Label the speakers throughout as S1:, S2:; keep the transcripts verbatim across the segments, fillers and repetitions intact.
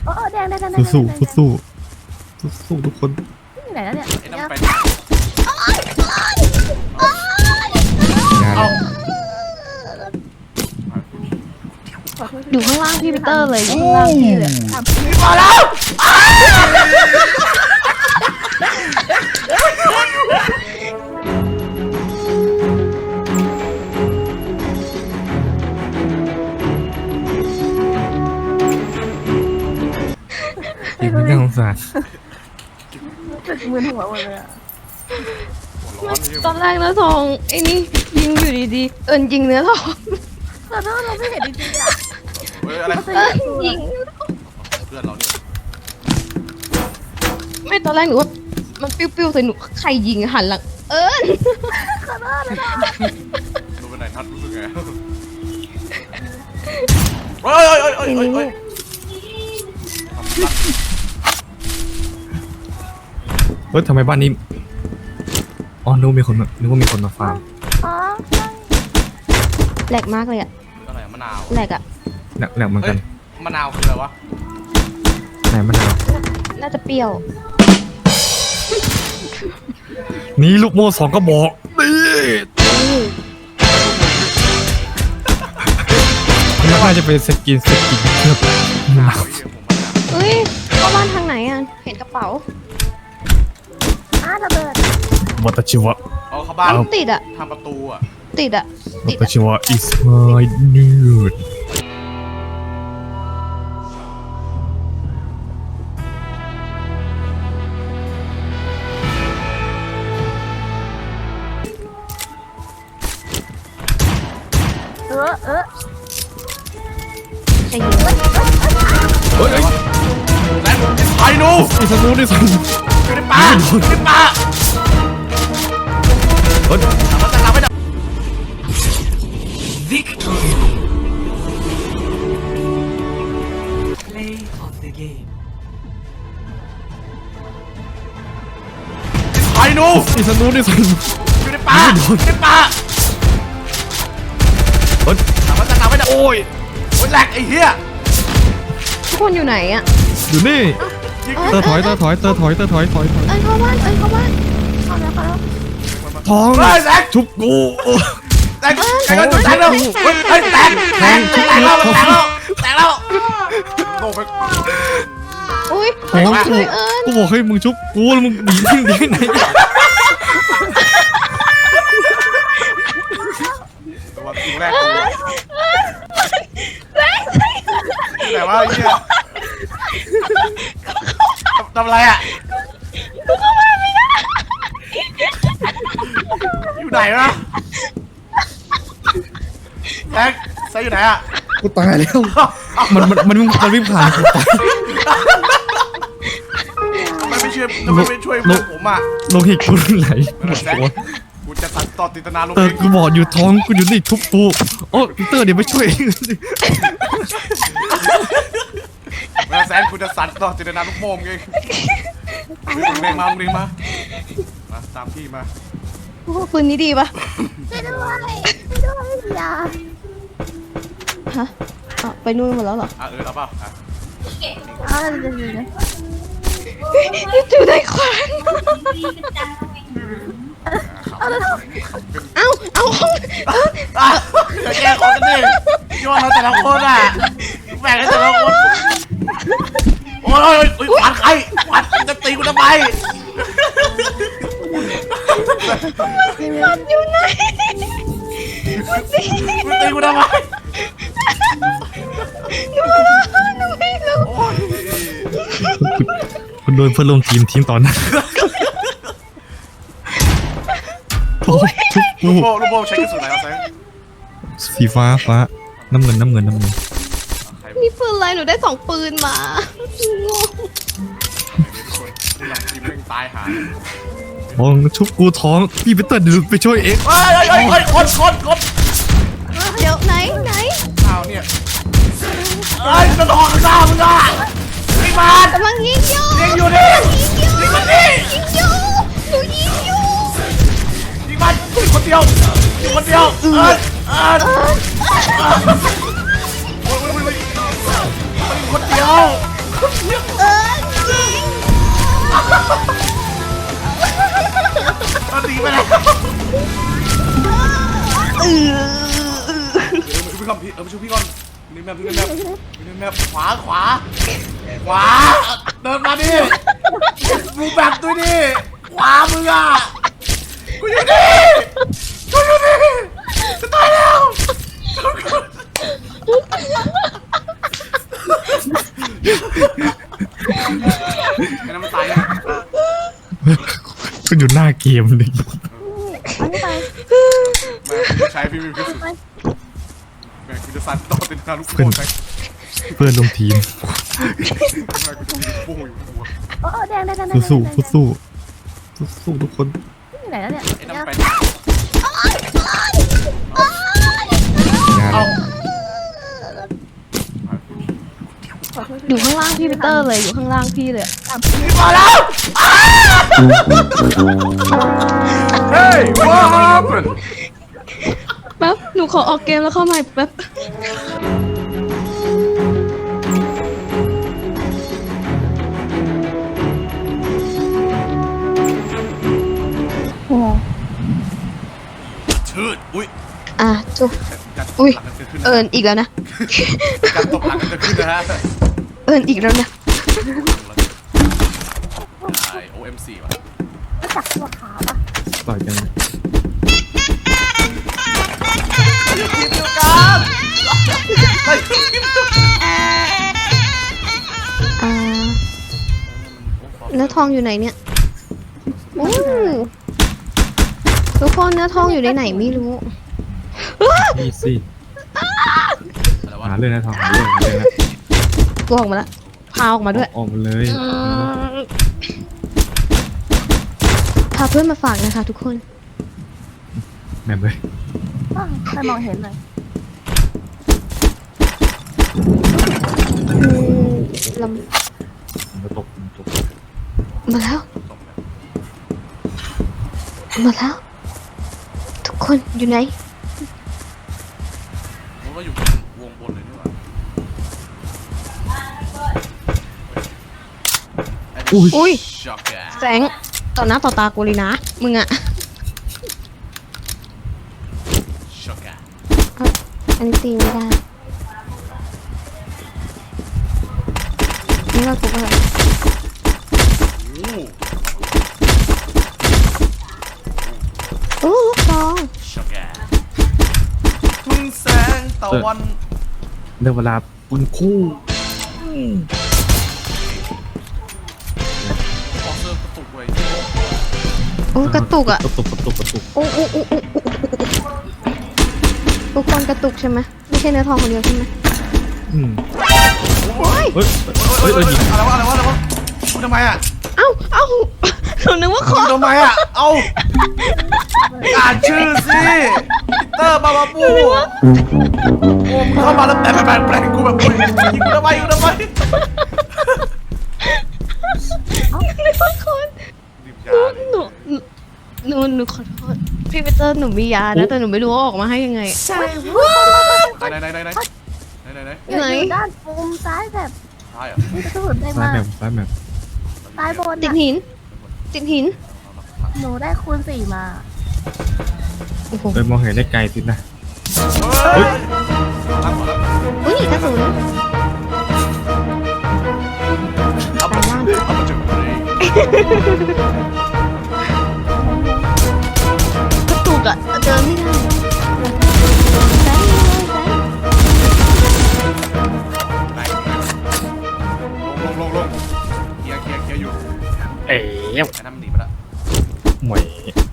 S1: โอ้แดงแดงแดง
S2: สู้สู้สู้สู้สู้ทุกคน
S1: ไหนแล้วเนี่ย
S3: ไอ้น้ำไป
S2: งาน
S3: เอา
S1: อยู่ข้างล่างพี่ปีเตอร์เลยอยู่ข้างล่างพี่เลย
S3: มาแล้ว
S2: อีกนิดน่าสงสาร
S1: จุดมือหัวหมดเลยอ่ะ
S4: ตอนแรกเนื้อทองไอ้นี่ยิงอยู่ดีๆเอิญยิงเนื้อทอง
S1: ขอโทษเราไม่เห็นจริงๆอ่ะ
S3: เฮ้ยอะไร
S4: เอิญยิง
S3: เพื่อนเราเนี่ย
S4: ไม่ตอนแรกหนูว่ามันปิ้วๆใส่หนูใครยิงหันหลังเอิญ
S1: ขอโทษเลยนะ
S3: ดูไปไหนทัดรู้สึกไงเฮ้ยเฮ้ยเฮ้ยเฮ้ยเฮ้ยเฮ้ย
S2: เฮ้ยทำไมบ้านนี้อ๋อนึกว่ามีคนมานึกว่ามีคนมาฟาร์ม
S1: อ๋อ
S4: แหลกมากเลยอะ
S3: อะไรมะนาว
S4: แหลกอะ
S2: แหลกแหลกเหมือนกัน
S3: มะนาวคืออะไรวะ
S2: ไหนมะนาว
S4: น่าจะเปรี้ยว
S2: นี่ลูกโม่สองก็บอกนี่นี่น่าจะเป็นสกินสกินเคลือบมะนาว
S4: เฮ้ยเข้าบ้านทางไหนอะเห็นกระเป๋า
S1: อ่ะระเบิด
S2: วัตชิวะ
S3: เอาเข้าบ้าน
S4: มันติดอะ
S3: ทำประตูอ่ะ
S4: ติดอะ
S2: วั
S4: ติด
S2: ต
S4: อะ
S2: ชิวะ is my nude
S1: เออเออ
S4: ใครยิง
S2: เฮ้ย
S3: แล้วไอ้หนู
S2: ไอ้สนูนี่สนู
S3: อยู่ในป่าอยู่ในป่า
S2: เฮ้ย
S3: มันจะทำให้ได้
S5: Play of the game.
S3: ไอ้หนู
S2: ไอ้สนูนี่สนู
S3: อยู่ในป่าอยู่ในป่า
S2: เฮ้ย
S3: มันจะทำให้ได้
S2: โอ้ย
S3: โอ้ยแหลกไอ้เหี้ย
S4: ทุกคนอยู่ไหนอะ
S2: อยู่นี่
S3: ยิง
S2: เตอร์ถอยเตอร์ถอยเตอร์ถอยเตอร์ถอยถอยถอย
S4: เอิญเข้าบ้านเอิญเข้าบ้าน
S1: ขอแล้วขอแล้ว
S2: ท้อง
S3: เฮ้ยแหลก
S2: ชุบกู
S3: แตกแตกแล้วแตกแล้วเฮ้ยเฮ้ยแตกแตกแตกแล้วแตกแล้วแตกแล้วโดนไป
S4: อุ้ย
S2: ท้องกู
S4: เลยเอิญ
S2: กูบอกให้มึงชุบกูแล้วมึงหนีทิ้งได้ไง
S3: ตัวจริงแรกกูแต่ว่าไอ้เหี้ยทำอะไรอ่ะอยู่ไหนวะแท็กใส่อยู่ไหนอ่ะ
S2: กูตายแล้วมันมันมันมันวิ่งผ่านกูไป
S3: ทำไมไม่ช่วยทำไมไม่ช่วยเพื่อนผมอ่ะ
S2: โลหิตกูไหลหมด
S3: แท็ก
S2: ตัว
S3: กูจะตัดต่อติตนาลง
S2: เตอ
S3: เอ
S2: ร์
S3: ง
S2: กูบอกอยู่ท้องกูอยู่นี่ทุบกูโอ้พีเตอร์เดี๋ยวไปช่วยเองสิ
S3: เวลาแซนกูจะสั่นต่อติตนาลูกโป่งเองมึงเรียงมามึงเรียงมามาตามพี่มา
S4: โอ้โหปืนนี้ดีปะ
S1: ช่วยด้วยช่วยด้วยอย่า
S4: ฮะอ๋อไปนู่นหมดแล้วเหรอ
S3: อ่ะเออเอาเปล่าอ่ะ
S1: เอาเดี๋ยวเดี๋ยวเดี๋ยว
S4: อยู่ในควัน
S1: เอาแล้ว
S4: เอาเอาห้อง
S3: อ่ะเดี๋ยวแกขอกันดิย้อนเราแต่ละคนอ่ะแบ่งให้แต่ละคนโอ้ยโอ้ยโอ้ยหวานใครหวานจะตีกูทำไม
S4: มันอยู่ไหน
S3: มึงตีกูทำไม
S4: หนูหนูไม่รู้
S3: โอ้ย
S2: คุณโดนเพื่อนร่วมทีมทีมตอนนั้นโอ้ยทุบกู
S3: ลูกโป่งลูกโป่งใช้กระสุนอะไรวะแซง
S2: สีฟ้าฟ้าน้ำเงินน้ำเงินน้ำเงิน
S3: ใคร
S4: มีปืนอะไรหนูได้สองปืนมา
S3: ค
S4: งง
S3: นหลังทีมแม่งตายหา
S2: ท้องชุบกูท้องพี่พีเตอร์เดี๋ยวไปช่วยเอง
S3: เฮ้ยเฮ้ยเฮ้ยคนคนคน
S4: เดี๋ยวไหนไหน
S3: อ้าวเนี่ยเฮ้ยจะนอนข้างหน้ามึงอ่ะไอ้บ้าน
S4: กำลังยิงอยู่
S3: ยิงอยู่ดิ
S4: ยิงอยู่
S3: ยิงมันดิ
S4: ยิงอยู่หนูยิงอยู่
S3: ยิงมันยิงคนเดียวยิงคนเดียวเออเออโอ้ยโอ้ยโอ้ยโอ้ยยิงคนเดียวแบบดูในแบบดูในแบบขวาขวาขวาเดินมาดิดูแบบด้วยดิขวามึงอ่ะกูอยู่นี่กูอยู่นี่จะตายแล้วไอ้นั่นมันตายแล้ว
S2: ก็อยู่หน้าเกมเลย
S1: อันนี้ไป
S3: แม่กูใช้พี่วิวพิสุทธิ์แม่กูจะสั่นต่อติดนาลูกโป่งไป
S2: เพื่อนลงทีม
S3: แม่กูจะมีลูกโป่งอยู่หัว
S1: เออแดงแดงแดงแดง
S2: สู้สู้สู้สู้สู้ทุกคน
S1: ที่ไหนแล้วเนี่ย
S3: ไอ้นั่นไป
S2: งาน
S3: เอา
S4: อยู่ข้างล่างพี่ปีเตอร์เลยอยู่ข้างล่างพี่เลย
S3: มาแล้วเฮ้ย what happened
S4: แป๊บหนูขอออกเกมแล้วเข้าใหม่แป๊บ
S1: โอ้
S3: ชืดอุ้ย
S4: อ่ะจุ
S3: การต
S4: อุ้
S3: บ
S4: ย
S3: หลังกันเกิดขึ้นนะ
S4: เอิญอีกแล้วนะ
S3: การตบหลังกันเกิดขึ้นนะฮะ
S4: เอิญอีกแล้วนะ
S3: ใช่ โอ เอ็ม สี่ ว่ะ
S1: รู้จักตัวขาปะ
S2: ต่อยกัน
S3: ทีมเดียวกันไปทีมเดียวกัน
S4: อ่าเนื้อทองอยู่ไหนเนี่ยอู้ทุกคนเนื้อทองอยู่ในไหนไม่รู้
S2: นี่สิ
S3: อะไรวะ
S2: หาเรื่องนะทองหาเรื่องหาเรื่องนะ
S4: ตัวออกมาแล้วพาออกมาด้วย
S2: ออกมาเลย
S4: พาเพื่อนมาฝากนะคะทุกคน
S2: แม่งเลย
S1: อ้าวใครมองเห็นเลย
S4: อืมล
S2: ผมจะตกผมตก
S4: ำมาแล้ว มาแล้ว ทุกคนอยู่ไหน
S3: ผมว่าอยู่วงบนเลยนี่หว่า
S4: อุ้ย
S3: ช็อกแก
S4: แสงต่อหน้าต่อตากูเลยนะ มึงอะ
S3: ช็อกแก
S4: อันนี้ตีไม่ได้นี่ว่ากูว่า
S3: โอ้
S4: อู้ลูกซอง
S3: ช็อกแกพึ่งแสงตะวัน
S2: เรื่องเวลาปุนคู่
S3: ออกเซิร์ฟกระตุกเว้ย
S4: โอ้กระตุกอะ
S2: กระตุกกระตุกกระตุก
S4: โอ้โอ้โอ้โอ้โอ้ทุกคนกระตุกใช่ไหมไม่ใช่เนื้อทองคนเดียวใช่ไหม
S2: อืม
S4: โอ้ย
S2: เฮ้ย
S3: เฮ้
S2: เฮ้
S3: ย
S2: ย
S3: เฮ้
S2: เฮ้
S3: ย
S2: ยยิง
S3: อะไรวะอะไรวะอะไรวะพูดทำไมอ่ะ
S4: เอ้าเอ้าหนูนึกว่าค
S3: พู
S4: อ
S3: ดทำไมอ่ะ เอ้าอ่านชื่อสิปีเตอร์บาบาบูโอ้มึงเข้ามาแล้วแปลงแปลงแปลงกูแบบยิงกูทำไมยิงกูทำไม
S4: นึกว่าคน
S3: รีบยาดิ
S4: หนูหนูหนูขอโทษพี่ปีเตอร์หนูมียานะแต่หนูไม่รู้ว่าออกมาให้ยังไง
S3: ไหนไหนไหนไหนไหนไหนไหน
S1: อยู่
S4: ไหน
S1: อยู่ด้านมุมซ้ายแบบ
S3: ใช่เหรอ
S1: มีกระสุนได้
S2: ซ้าย
S1: มา
S2: แมปซ้ายแมป
S1: ซ้ายบน
S4: ติด
S1: น่ะ
S4: หิน ติดหิน
S1: หนูได้คูณสี่มา
S4: โอ้โห
S2: ไปมองเห็นได้ไกลสินะ
S3: เฮ้ยตั้งก่อนแล้ว
S4: อุ้ยกระสุน
S3: เอาไปเอามาจุดเลย
S4: กระตุกอะเดินไม่ได้
S1: แซงเลยแซง
S3: ไหนลงลงลงลงเกียร์เกียร์เกียร์อยู่
S2: เอ๋
S3: ไอ้นั่นมันหนีไปแล้ว
S2: หมวย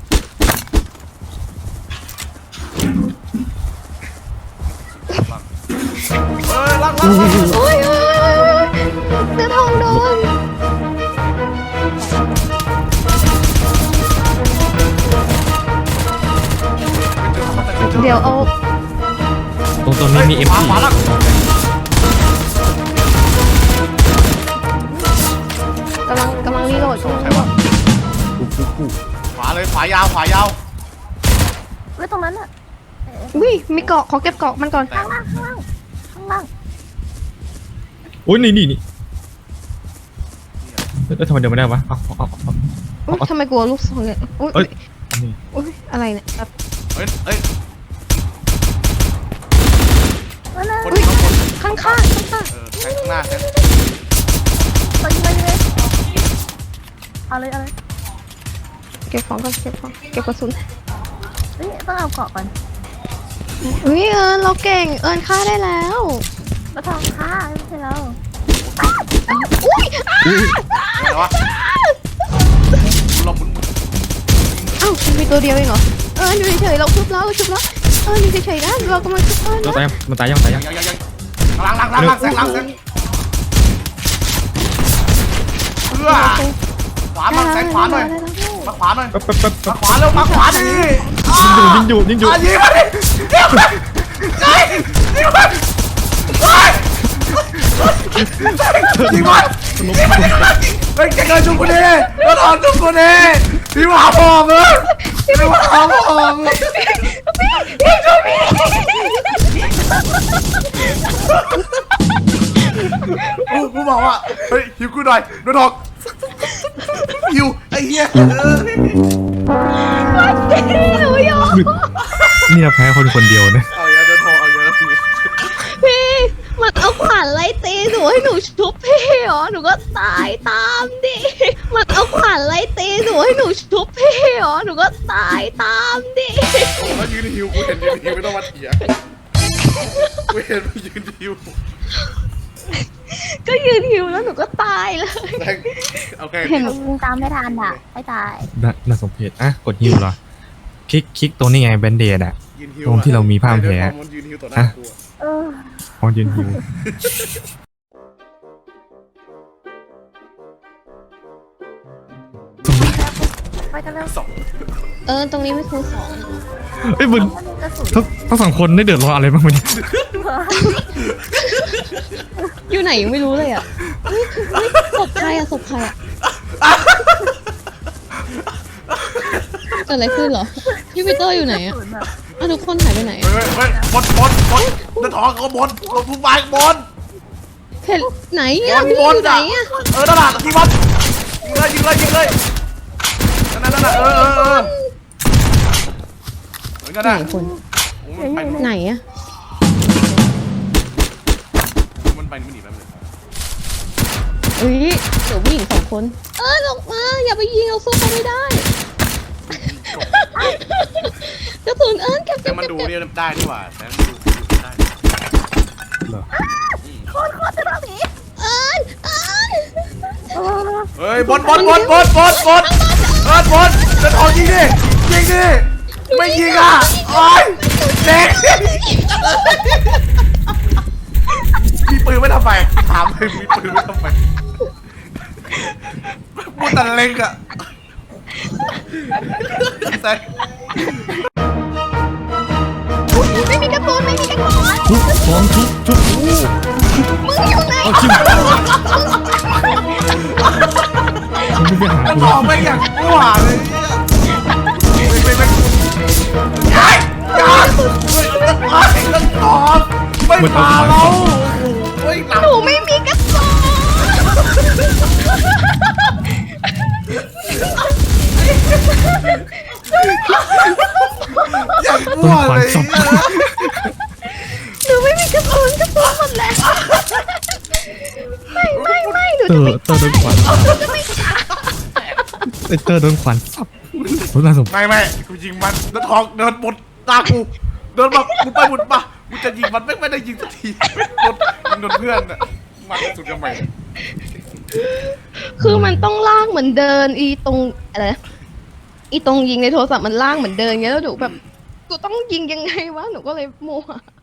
S3: เฮ้ยลักลักลัก
S4: โอ้ยโอ้ยโอ้ยเนื้อทองโดนเดี๋ยวเอา
S2: ตรงตรงนี้มีเอ็ม
S3: ขวา
S2: พี
S3: ขวาลัก
S4: กำลังกำลังรีโหลดช่วง
S3: ใคร
S4: นี้
S3: วะ
S2: คู่คู่คู่
S3: ขวาเลยขวายาวขวายาว
S1: ไว้ตรงนั้นอ่ะเอ๊ะ
S4: อุ้ยมีเกาะขอเก็บเกาะมันก่อน
S1: ข้างล่างข้างล่างข้างล่าง
S2: โอ้ยนี่นี่นี่แล้วทำไมเดินไม่ได้วะเอาเอาเอาเอา
S4: อุ๊ยทำไมกลัวลูกซองเนี่ยอุ้ย
S2: เอ้ยนี่
S4: อุ้ยอะไรเนี่ยแบบ
S3: เฮ้ยเฮ้ย
S1: นั่นน่ะ
S3: คนข้างบน
S4: ข้างๆข้างข้าง
S3: เออแทงข้างหน้าแทง
S1: ไปยิงไปยิงเลยเอาเลยเอาเลย
S4: เก็บของก่อนเก็บของเก็บกระสุน
S1: เฮ้ยต้องเอาเกาะก่อน
S4: อุ้ยเอิญเราเก่งเอิญฆ่าได้แล้ว
S1: แล้วทองค่าไม่ใช่เรา
S4: อุ้ยอ้า
S3: อะไรวะหลบมึง
S4: เอ้ามีตัวเดียวเองเหรอเอิญอยู่เฉยๆเราชุบแล้วเราชุบแล้วเอิญอยู่เฉยๆนะเรากำลังชุบเอิญ
S2: เรา
S4: นะ
S2: ตายยังมันตายยังตายยัง
S3: ยังยังยังหลังหลังหลังหลังแซงหลังแซงเพื่อขวามาแซงขวาหน่อยมาขวาหน่อย
S2: แป๊บแป๊บแป๊บแป๊
S3: มา
S2: บ
S3: ขวาเร็วมาขวาดิ
S2: ยิงอยู่ยิงอยู่ยิงอยู่
S3: ยิงมาดิยิงมาเฮ้ยยิงมาเฮ้ยยิงมายิงมาเฮ้ยแกเกินจุกคนนี้แล้วถอนจุกคนนี้พี่มาพอมึงพี่มาพอมึงโอ้กูบอกว่าเฮ้ยหิวกูหน่อยโดนทองหิวไอ้เหี้ย
S2: นี่เราแพ้คนคนเดียวนะ
S3: เอาเยอะโดนทองเอาเยอะ
S4: พี่มันเอาขวานไล่ตีหนูให้หนูชุบพี่เหรอหนูก็ตายตามดิมันเอาขวานไล่ตีหนูให้หนูชุบพี่เหรอหนูก็ตายตามดิ
S3: แล้วยืนหิวกูเห็นยืนหิวไม่ต้องมาเถียงกูเห็นมึงยืนหิว
S4: ก็ยืนหิวแล้วหนูก็ตายเลย
S3: แม่งโอเค
S1: เห็นมึงตามไม่ทันอ่ะไม่ตาย
S2: น่าน่าสมเพชอ่ะกดฮิวเหรอคลิกคลิกตรงนี้ไงแบนเดดอ่ะ
S3: ยืนหิว
S2: ตรงที่เรามีผ้าพันแผล
S3: มันยืนหิวต่อหน้ากู
S1: เออ
S2: พอยืนฮิว
S1: ไปกันเร็ว
S3: สอง
S4: เออตรงนี้ไม่คูณสอง
S2: เอ้ยมึง
S1: มันมีกระสุน
S2: ทั้งทั้งสองคนได้เดือดร้อนอะไรบ้างไหมเนี่ย
S4: อยู่ไหนยังไม่รู้เลยอ่ะเฮ้ยเฮ้ยศพใครอ่ะศพใครอ่ะเกิดอะไรขึ้นเหรอพี่ปีเตอร์อยู่ไหนอ่ะ
S1: กระสุนแบบ
S4: อ่ะทุกคนหายไปไหน
S3: เฮ้ยเฮ้ยบนบนบนเดินทองเขาบนลงทุกใบบน
S4: เห็นไหน
S3: บ
S4: อ่ะ
S3: น
S4: พี่
S3: บ
S4: อน ยู่ไหน
S3: อ่ะ
S4: อ่ะ
S3: เออนั่นแหละยิงบอลยิงเลยยิงเลยยิงเลยนั่นนั่นนั่นเออเออเออเหมือนกัน
S4: ไหน
S3: นะ
S4: คน
S3: มันไป
S4: ไหนอ่ะ
S3: มันไปมันหนีไปเลย
S4: เฮ้ยเดี๋ยวผู้หญิงสองคน เออลงมาอย่าไปยิงเราสู้เขาไม่ได้กระสุนเอิญเก็บ
S3: แต่
S4: เก็บ
S3: มัน
S4: เก็บ
S3: ดู
S4: เก็บ
S3: เนี่ยได้ดีกว่าแต่มันดูได้
S2: เหรอ
S1: โคตรโคตรจะต้องหนี
S4: เอิญเอิญ
S1: เออ
S3: เฮ้ยบนบนบนบนบนบนเออบนเดินทองยิงดิยิงดิไม่ยิงอ่ะโอ้ยเด็กมีปืนไม่ทำไมถามเลยมีปืนไม่ทำไมพูดแต่เล็กอะแต่
S4: ไม่มีกระสุนไม่มีกระสุน
S2: ทุบฟองทุบทุบ
S4: มึงอยู่ไหน
S2: เอาชิมมึงไปหา
S3: จะ
S2: กู
S3: บอกไม่อย่างกลัวเลยไม่ไม่ไม่ย้ายย้ายเฮ้ยจะตายจะตอบไม่มาเราเฮ้ยหลัง
S4: หนูไม่มีกระสุน
S3: อย่างกลั
S2: ต้
S3: วน
S2: ขวั
S3: เล
S2: ญ
S3: ย
S2: สับ
S4: หนูไม่มีกระสุนกระสุนหมดแล้วไม่ไม่ไม่หนู
S2: เตอ
S4: จะ
S2: ร์
S4: ไม่
S2: เตอร์โดนขวัญไอเตอร์โดนขวัญสับโอ้น่าสม
S3: ไม่ไม่กูยิงมันเดินทองเดินบนตากูเดินมากูไปบุญมากูจะยิงมันไม่ไม่ได้ยิงสักทีโดนยิงโดนเพื่อนอะมันสุดยังไง
S4: คือมันต้องลากเหมือนเดินอีตรงอะไรนะอีตรงยิงในโทรศัพท์มันลากเหมือนเดินเงี้ยแล้วหนูแบบกูต้องยิงยังไงวะหนูก็เลยโมว